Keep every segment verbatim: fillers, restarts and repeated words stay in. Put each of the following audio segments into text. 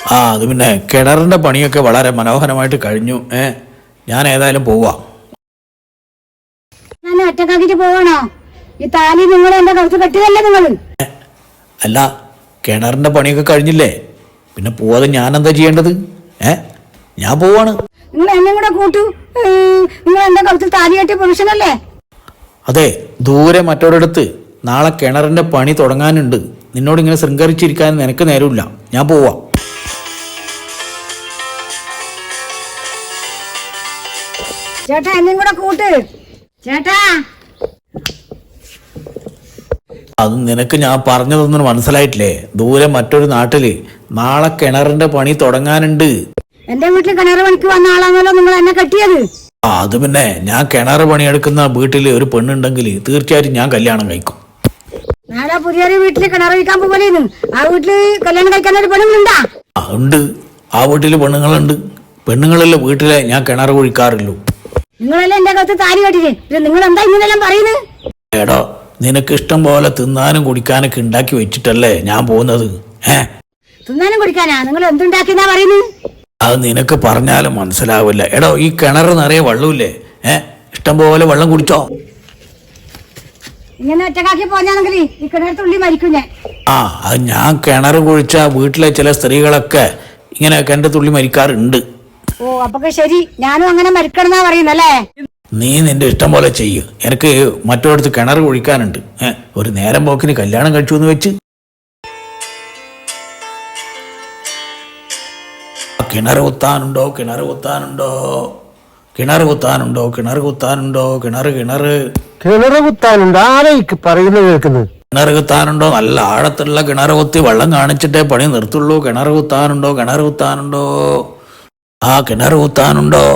ആ അത് പിന്നെ കിണറിന്റെ പണിയൊക്കെ വളരെ മനോഹരമായിട്ട് കഴിഞ്ഞു. ഏ ഞാൻ ഏതായാലും പോവാം. ഞാൻ ഒറ്റക്കാക്കിട്ട് പോവാണോ? ഈ താലി നിങ്ങൾ എന്റെ കഴുത്ത് കെട്ടിയതല്ലേ നിങ്ങൾ? അല്ല, കിണറിന്റെ പണിയൊക്കെ കഴിഞ്ഞില്ലേ, പിന്നെ പോവാതെ ഞാൻ എന്താ ചെയ്യേണ്ടത്? ഏ ഞാൻ പോവാണ്. നിങ്ങൾ എന്നെ കൂടെ കൂട്ടു. നിങ്ങൾ എന്റെ കഴുത്തിൽ താലി കെട്ടിയ പുരുഷനല്ലേ? അതെ, ദൂരെ മറ്റൊരിടത്ത് നാളെ കിണറിന്റെ പണി തുടങ്ങാനുണ്ട്. നിന്നോട് ഇങ്ങനെ ശൃംഗരിച്ചിരിക്കാൻ നിനക്ക് നേരമില്ല. ഞാൻ പോവാം. ചേട്ടാ എന്നെയും കൂടെ കൂട്ട് ചേട്ടാ. അത് നിനക്ക് ഞാൻ പറഞ്ഞതൊന്നും മനസ്സിലായിട്ടില്ലേ? ദൂരെ മറ്റൊരു നാട്ടില് നാളെ കിണറിന്റെ പണി തുടങ്ങാനുണ്ട്. എന്റെ വീട്ടിൽ കിണർ പണിക്ക് വന്ന ആളാണല്ലോ നിങ്ങൾ എന്നെ കെട്ടിയത്. ആ അത് പിന്നെ ഞാൻ കിണർ പണിയെടുക്കുന്ന വീട്ടിൽ ഒരു പെണ്ണുണ്ടെങ്കിൽ തീർച്ചയായിട്ടും ഞാൻ കല്യാണം കഴിക്കും. നാളെ പുതിയൊരു വീട്ടില് കിണർ വയ്ക്കാൻ പോകലേന്ന്. ആ വീട്ടില് കല്യാണം കഴിക്കാൻ ഒരു പെണ്ണുങ്ങളുണ്ടാ? ആ ഉണ്ട്, ആ വീട്ടില് പെണ്ണുങ്ങളുണ്ട്. പെണ്ണുങ്ങളല്ലേ വീട്ടിലെ ഞാൻ കിണർ കുഴിക്കാറുള്ളൂ. നിങ്ങളല്ലേ എന്റെ കത്ത് താലി കെട്ടിട്ട് നിങ്ങൾ എന്താ ഇങ്ങനെല്ലാം പറയുന്നത്? എടോ, നിനക്ക് ഇഷ്ടം പോലെ തിന്നാനും കുടിക്കാനൊക്കെ ഉണ്ടാക്കി വെച്ചിട്ടല്ലേ ഞാൻ പോകുന്നത്. ഏ തിന്നാനും കുടിക്കാനാ നിങ്ങൾ എന്തുണ്ടാക്കിയെന്നാ പറയുന്നത്? അത് നിനക്ക് പറഞ്ഞാലും മനസ്സിലാവില്ല. എടോ, ഈ കിണർ നിറയെ വെള്ളമില്ലേ? ഏ ഇഷ്ടം പോലെ വെള്ളം കുടിച്ചോ. ഇങ്ങനെ ഒറ്റക്കാക്കി പോഞ്ഞാണെങ്കിൽ ഈ കിണർ തുള്ളി മരിക്കും ഞാൻ. ആ അത് ഞാൻ കിണർ കുഴിച്ച വീട്ടിലെ ചില സ്ത്രീകളൊക്കെ ഇങ്ങനെ കിണർ തുള്ളി മരിക്കാറുണ്ട്. ഓ അപ്പൊക്കെ ശരി, ഞാനും അങ്ങനെ മരിക്കണമെന്നാ പറയുന്നല്ലേ? നീ നിന്റെ ഇഷ്ടം പോലെ ചെയ്യ്. എനിക്ക് മറ്റൊരിടത്ത് കിണർ കുഴിക്കാനുണ്ട്. ഏഹ് ഒരു നേരം പോക്കിന് കല്യാണം കഴിച്ചു എന്ന് വെച്ച് കിണർ കുത്താനുണ്ടോ കിണർ കുത്താനുണ്ടോ കിണർ കുത്താനുണ്ടോ കിണർ കുത്താനുണ്ടോ കിണർ കിണർ കിണർ കുത്താനുണ്ടോ? ആരേക്ക് പറയുന്നത് കേൾക്കുന്നത്? കിണർ കുത്താനുണ്ടോ? നല്ല ആഴത്തുള്ള കിണർ കുത്തി വെള്ളം കാണിച്ചിട്ടേ പണി നിർത്തുള്ളൂ. കിണർ കുത്താനുണ്ടോ കിണർ കുത്താനുണ്ടോ ആ കിണർ കുത്താനുണ്ടോ?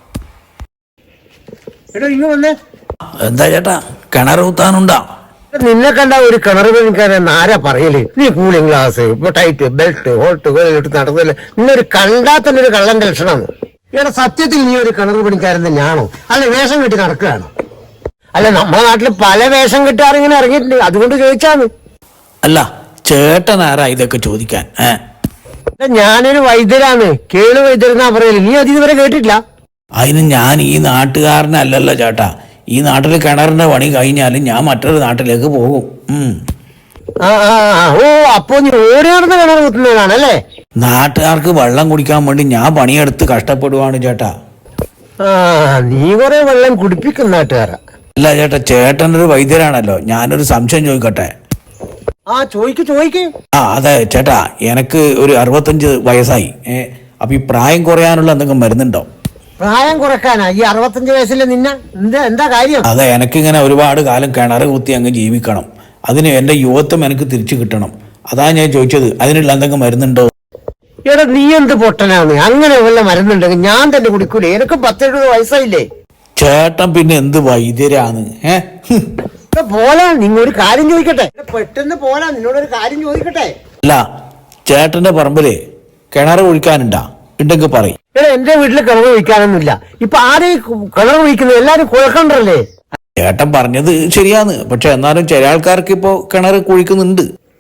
എടോ ഇങ്ങ് വന്നേ. എന്താ ചേട്ടാ, കിണർ കുത്താനുണ്ടോ? നിന്നെ കണ്ട ഒരു കിണർ പണിക്കാരൻ ആരാ പറയല്? നീ കൂളിംഗ് ഗ്ലാസ്, ടൈറ്റ് ബെൽറ്റ്, ഹോൾട്ട് ഇട്ട് നടന്നില്ല. നിന്നൊരു കണ്ടാൽ തന്നെ ഒരു കള്ളന്റെ ലക്ഷണമാണ്. ഇവിടെ സത്യത്തിൽ നീ ഒരു കിണർ പണിക്കാരൻ തന്നെയാണോ, അല്ല വേഷം കെട്ടി നടക്കുകയാണോ? അല്ല, നമ്മുടെ നാട്ടില് പല വേഷം കെട്ടാറിങ്ങനെ ഇറങ്ങിയിട്ടുണ്ട്, അതുകൊണ്ട് ചോദിച്ചാണ്. അല്ല, ചേട്ടൻ ആരാ ഇതൊക്കെ ചോദിക്കാൻ? ഏ ഞാനൊരു വൈദ്യരാണ്, കേളു വൈദ്യരെന്നാ പറയല്. നീ അത് ഇതുവരെ കേട്ടിട്ടില്ല? അതിന് ഞാൻ ഈ നാട്ടുകാരനല്ലല്ലോ ചേട്ടാ. ഈ നാട്ടിൽ കിണറിന്റെ പണി കഴിഞ്ഞാലും ഞാൻ മറ്റൊരു നാട്ടിലേക്ക് പോകും. ഉം ആ ആ ഓ അപ്പൊ നീ ഓടി നടന്ന് കിണർ കുത്തുന്നതാണല്ലേ? നാട്ടുകാർക്ക് വെള്ളം കുടിക്കാൻ വേണ്ടി ഞാൻ പണിയെടുത്ത് കഷ്ടപ്പെടുവാണ് ചേട്ടാ. ആ നീ കുറെ വെള്ളം കുടിപ്പിക്കും നാട്ടുകാരാ. അല്ല ചേട്ടാ, ചേട്ടനൊരു വൈദ്യരാണല്ലോ, ഞാനൊരു സംശയം ചോദിക്കട്ടെ? ആ ചോദിക്ക് ചോദിക്ക്. ആ അതെ ചേട്ടാ, എനിക്ക് ഒരു അറുപത്തഞ്ച് വയസ്സായി. ഏ അപ്പൊ ഈ പ്രായം കുറയാനുള്ള എന്തെങ്കിലും മരുന്നുണ്ടോ? പ്രായം കുറക്കാനാ ഈ അറുപത്തഞ്ച് വയസ്സിലെ നിന്നെ? എന്താ എന്താ കാര്യം? അതെ, എനിക്കിങ്ങനെ ഒരുപാട് കാലം കിണർ കുത്തി അങ്ങ് ജീവിക്കണം. അതിന് എന്റെ യുവത്വം എനിക്ക് തിരിച്ചു കിട്ടണം. അതാ ഞാൻ ചോദിച്ചത്, അതിനുള്ള എന്തെങ്കിലും മരുന്നുണ്ടോ? എടാ നീ എന്ത് പൊട്ടനാണ്? അങ്ങനെ വല്ല മരുന്നുണ്ടെങ്കിൽ ഞാൻ തന്നെ കുടിക്കൂലേ? എനിക്ക് പത്തെഴുപത് വയസ്സായില്ലേ? ചേട്ടൻ പിന്നെ എന്ത് വൈദ്യരാണ്? ഏഹ് പോലാ, നിങ്ങൾ ഒരു കാര്യം ചോദിക്കട്ടെ? പെട്ടെന്ന് പോലാ, നിന്നോടൊരു കാര്യം ചോദിക്കട്ടെ? അല്ല, ചേട്ടന്റെ പറമ്പില് കിണർ കുഴിക്കാനുണ്ടാ? ഉണ്ടെങ്കിൽ പറയും. എടാ എന്റെ വീട്ടില് കിണർ കുഴിക്കാനൊന്നുമില്ല. ഇപ്പൊ ആരെ കിണർ കുഴിക്കുന്നത്? എല്ലാരും കുഴക്കണ്ടല്ലേ? ചേട്ടൻ പറഞ്ഞത് ശരിയാന്ന്, പക്ഷെ എന്നാലും ചില ആൾക്കാർക്ക് ഇപ്പോ കിണർ കുഴിക്കുന്നുണ്ട്.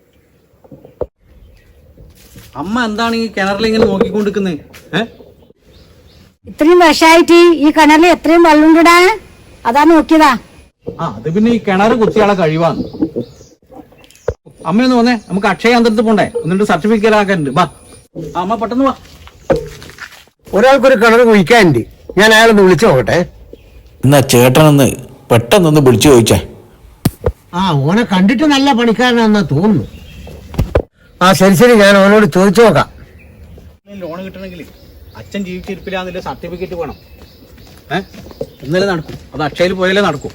അമ്മ എന്താണ് ഈ കിണറിൽ ഇങ്ങനെ നോക്കിക്കൊണ്ടിരിക്കുന്നത്? ഏഹ് ഇത്രയും വർഷമായിട്ട് ഈ കിണറിൽ എത്രയും വെള്ളമുണ്ടാ, അതാ നോക്കിയതാ. ആ അത് പിന്നെ ഈ കിണർ കുത്തിയാളെ കഴിവാണ്. അമ്മയൊന്ന് വന്നേ, നമുക്ക് അക്ഷയ കേന്ദ്രത്തിൽ പോണ്ടേ, എന്നിട്ട് സർട്ടിഫിക്കറ്റ് ആക്കാനുണ്ട്. വാ അമ്മ പെട്ടെന്ന് വാ. ഒരാൾക്കൊരു കിണർ കുഴിക്കാനുണ്ട്, ഞാൻ അയാളൊന്ന് വിളിച്ചു നോക്കട്ടെ. എന്നാ ചേട്ടനൊന്ന് പെട്ടെന്നൊന്ന് വിളിച്ചു ചോദിച്ചേ. ആ ഓനെ കണ്ടിട്ട് നല്ല പണിക്കാരനാണെന്നാ തോന്നുന്നു. ആ ശരി ശരി, ഞാൻ ഓനോട് ചോദിച്ചു നോക്കാം. ലോൺ കിട്ടണമെങ്കിൽ അച്ഛൻ ജീവിച്ചിരിപ്പില്ലാന്നില്ല സർട്ടിഫിക്കറ്റ് വേണം. ഏഹ് ഇന്നലെ നടക്കും, അത് അക്ഷയയിൽ പോയാലേ നടക്കും.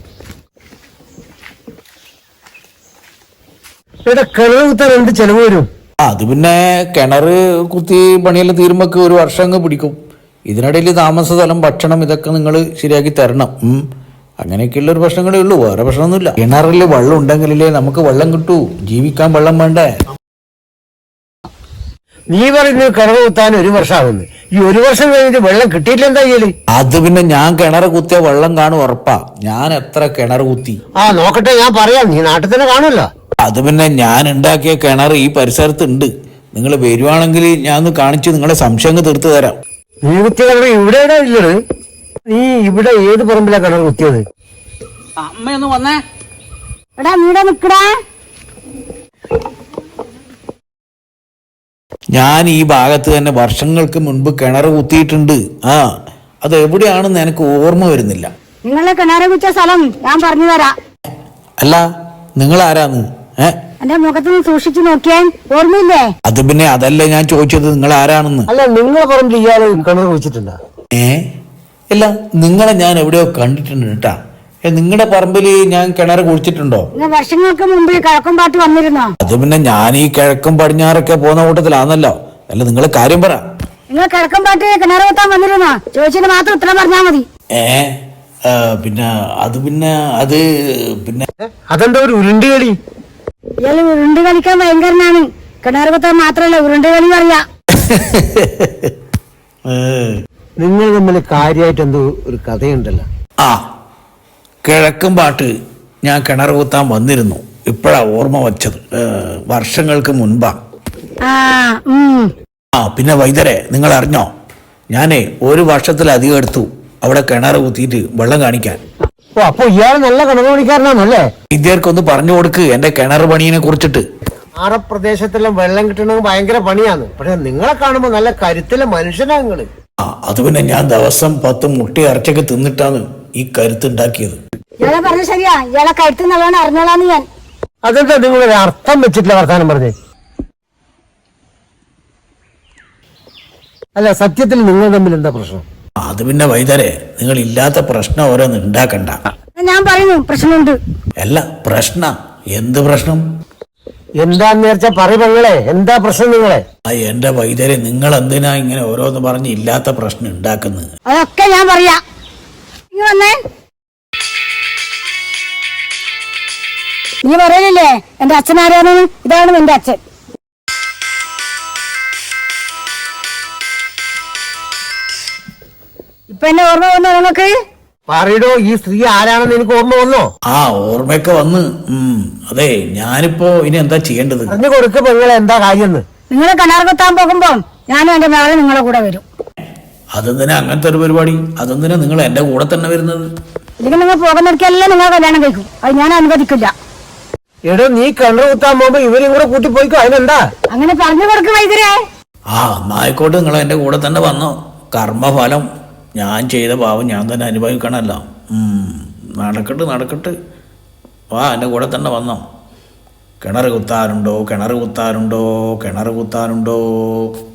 ഇവിടെ കിണർ കുത്താൻ എന്ത് ചെലവ് വരും? അത് പിന്നെ കിണർ കുത്തി പണിയെല്ലാം തീരുമ്പോക്ക് ഒരു വർഷം അങ്ങ് പിടിക്കും. ഇതിനിടയിൽ താമസ സ്ഥലം, ഭക്ഷണം ഇതൊക്കെ നിങ്ങൾ ശരിയാക്കി തരണം. ഉം അങ്ങനെയൊക്കെയുള്ള ഒരു പ്രശ്നങ്ങളേ ഉള്ളൂ, വേറെ പ്രശ്നമൊന്നുമില്ല. കിണറിൽ വെള്ളം ഉണ്ടെങ്കിലേ നമുക്ക് വെള്ളം കിട്ടൂ. ജീവിക്കാൻ വെള്ളം വേണ്ടേ? നീ പറയുന്നത് കിണർ കുത്താൻ ഒരു വർഷമാകുന്നു. ഈ ഒരു വർഷം കഴിഞ്ഞിട്ട് വെള്ളം കിട്ടിയില്ല എന്താ ചെയ്യല്? അത് പിന്നെ ഞാൻ കിണർ കുത്തിയ വെള്ളം കാണും ഉറപ്പാ. ഞാൻ എത്ര കിണർ കുത്തി. ആ നോക്കട്ടെ, ഞാൻ പറയാം. നീ നാട്ടിൽ തന്നെ കാണുമല്ലോ. അത് പിന്നെ ഞാൻ ഉണ്ടാക്കിയ കിണർ ഈ പരിസരത്തുണ്ട്. നിങ്ങൾ വരുവാണെങ്കിൽ ഞാൻ ഒന്ന് കാണിച്ച് നിങ്ങളെ സംശയം തീർത്തു തരാം. നീ കുത്തിയ കിണർ ഇവിടെ എവിടെ ഇല്ലത്? നീ ഇവിടെ ഏത് പറമ്പിലാ കിണർ കുത്തിയത്? അമ്മയൊന്ന് വന്നേ. എടാ നീടെ നിക്കടാ. ഞാൻ ഈ ഭാഗത്ത് തന്നെ വർഷങ്ങൾക്ക് മുൻപ് കിണർ കുത്തിയിട്ടുണ്ട്. ആ അത് എവിടെയാണെന്ന് എനിക്ക് ഓർമ്മ വരുന്നില്ല. നിങ്ങളെ കിണറ് കുച്ച സ്ഥലം ഞാൻ പറഞ്ഞു തരാം. അല്ല നിങ്ങൾ ആരാന്ന്? ഏ എന്റെ മുഖത്ത് സൂക്ഷിച്ചു നോക്കിയാൽ ഓർമ്മയില്ലേ? അത് പിന്നെ അതല്ല ഞാൻ ചോദിച്ചത്, നിങ്ങൾ ആരാണെന്ന്. അല്ല, നിങ്ങളെ പറമ്പിൽ ഇയാള് കിണർ കുഴിച്ചിട്ടുണ്ടോ? ഏ ഇല്ല, നിങ്ങളെ ഞാൻ എവിടെയോ കണ്ടിട്ടുണ്ട് കേട്ടാ. നിങ്ങളുടെ പറമ്പിൽ ഞാൻ കിണർ കുഴിച്ചിട്ടുണ്ടോ? നിങ്ങൾ വർഷങ്ങൾക്ക് മുമ്പ് കിഴക്കുംപാട്ട് വന്നിരുന്നോ? അത് പിന്നെ ഞാൻ ഈ കിഴക്കും പടിഞ്ഞാറൊക്കെ പോകുന്ന കൂട്ടത്തിലാണല്ലോ. അല്ല നിങ്ങൾ കാര്യം പറ. നിങ്ങൾ കിഴക്കുംപാട്ട് കിണർ കുത്താൻ വന്നിരുന്നോ? ചോദിച്ചതിന് മാത്രം ഉത്തരം പറഞ്ഞാൽ മതി. ഏ ആ, പിന്നെ അത് പിന്നെ അത് പിന്നെ അതെന്താ ഒരു ഉരുണ്ടി കളി? ഇയാള് ഉരുണ്ട് കളിക്കാൻ ഭയങ്കരനാണ്. കിണർ കുത്താൻ മാത്രല്ല ഉരുണ്ട് കളി പറയാ. ഏ. നിങ്ങൾ തമ്മിൽ കാര്യമായിട്ട് എന്തോ ഒരു കഥയുണ്ടല്ലോ. ആ കിഴക്കും പാട്ട് ഞാൻ കിണർ കുത്താൻ വന്നിരുന്നു. ഇപ്പോഴാ ഓർമ്മ വച്ചത്. ഏ, വർഷങ്ങൾക്ക് മുൻപാ. ആ ഉം ആ പിന്നെ വൈദ്യരെ നിങ്ങൾ അറിഞ്ഞോ, ഞാനേ ഒരു വർഷത്തിലധികം എടുത്തു അവിടെ കിണർ കുത്തിയിട്ട് വെള്ളം കാണിക്കാൻ. ഓ, അപ്പൊ ഇയാൾ നല്ല കിണർ പണിക്കാരനാണല്ലേ? വൈദ്യർക്കൊന്ന് പറഞ്ഞു കൊടുക്ക് എന്റെ കിണർ പണിയെ കുറിച്ചിട്ട്. ആറ പ്രദേശത്തെല്ലാം വെള്ളം കിട്ടണമെങ്കിൽ ഭയങ്കര പണിയാണ്. പക്ഷെ നിങ്ങളെ കാണുമ്പോ നല്ല കരുത്തിലെ മനുഷ്യനാ നിങ്ങള്. ആ അത് പിന്നെ ഞാൻ ദിവസം പത്ത് മുട്ട ഇറച്ചൊക്കെ തിന്നിട്ടാണ് ഈ കരുത്തുണ്ടാക്കിയത്. ഇയാളെ പറഞ്ഞ ശരിയാ. ഇയാളെ കഴുത്ത് നല്ലോണം അറിഞ്ഞോളാന്ന് ഞാൻ. അതെന്താ നിങ്ങളൊരു അർത്ഥം വെച്ചിട്ടില്ല വർത്താനം പറഞ്ഞേ? അല്ല, സത്യത്തിൽ നിങ്ങൾ തമ്മിൽ എന്താ പ്രശ്നം? അത് പിന്നെ വൈദ്യരെ നിങ്ങൾ ഇല്ലാത്ത പ്രശ്നം ഓരോന്ന് ഉണ്ടാക്കണ്ട. ഞാൻ പറയുന്നു പ്രശ്നമുണ്ട്. അല്ല പ്രശ്ന എന്ത് പ്രശ്നം? എന്താന്ന് വിചാരിച്ചാ പറയ പെങ്ങളെ, എന്താ പ്രശ്നം നിങ്ങളെ? ആ എന്റെ വൈദ്യരെ നിങ്ങൾ എന്തിനാ ഇങ്ങനെ ഓരോന്ന് പറഞ്ഞ് ഇല്ലാത്ത പ്രശ്നം ഉണ്ടാക്കുന്നത്? അതൊക്കെ ഞാൻ പറയാ. നീ വന്നേ. നീ പറയലില്ലേ എന്റെ അച്ഛൻ ആരാണ്? ഇതാണ് നിന്റെ അച്ഛൻ. ഇപ്പൊ എന്നെ ഓർമ്മ വന്നോ നിങ്ങൾക്ക്? പറയടോ, ഈ സ്ത്രീ ആരാണെന്ന് എനിക്ക് ഓർമ്മ വന്നോ? ആ ഓർമ്മയൊക്കെ വന്ന്. ഉം അതെ, ഞാനിപ്പോ ഇനി എന്താ ചെയ്യേണ്ടത്? പറഞ്ഞു കൊടുക്ക പെങ്ങളെ, എന്താ കാര്യം? നിങ്ങൾ കിണർ കുത്താൻ പോകുമ്പോ ഞാനും എന്റെ മകളെ നിങ്ങളെ കൂടെ വരും. അതെന്തിനാ അങ്ങനത്തെ ഒരു പരിപാടി? അതെന്തിനാ നിങ്ങൾ എന്റെ കൂടെ തന്നെ വരുന്നത്? ഇതിന് നിങ്ങൾ പോകുന്നിടക്കെല്ലാം നിങ്ങൾ കല്യാണം കഴിക്കും. അത് ഞാൻ അനുവദിക്കില്ല. എടോ, നീ കിണർ കുത്താൻ പോകുമ്പോ ഇവരും കൂടെ കൂട്ടി പോയിക്കോ. അതിനെന്താ? അങ്ങനെ പറഞ്ഞു കൊടുക്കും വൈദ്യരെ. ആ എന്നായിക്കോട്ടെ, നിങ്ങൾ എന്റെ കൂടെ തന്നെ വന്നോ. കർമ്മഫലം ഞാൻ ചെയ്ത പാവം ഞാൻ തന്നെ അനുഭവിക്കണമല്ലോ. നടക്കട്ട് നടക്കട്ട് വാ, എൻ്റെ കൂടെ തന്നെ വന്നോ. കിണർ കുത്താനുണ്ടോ കിണർ കുത്താനുണ്ടോ കിണർ കുത്താനുണ്ടോ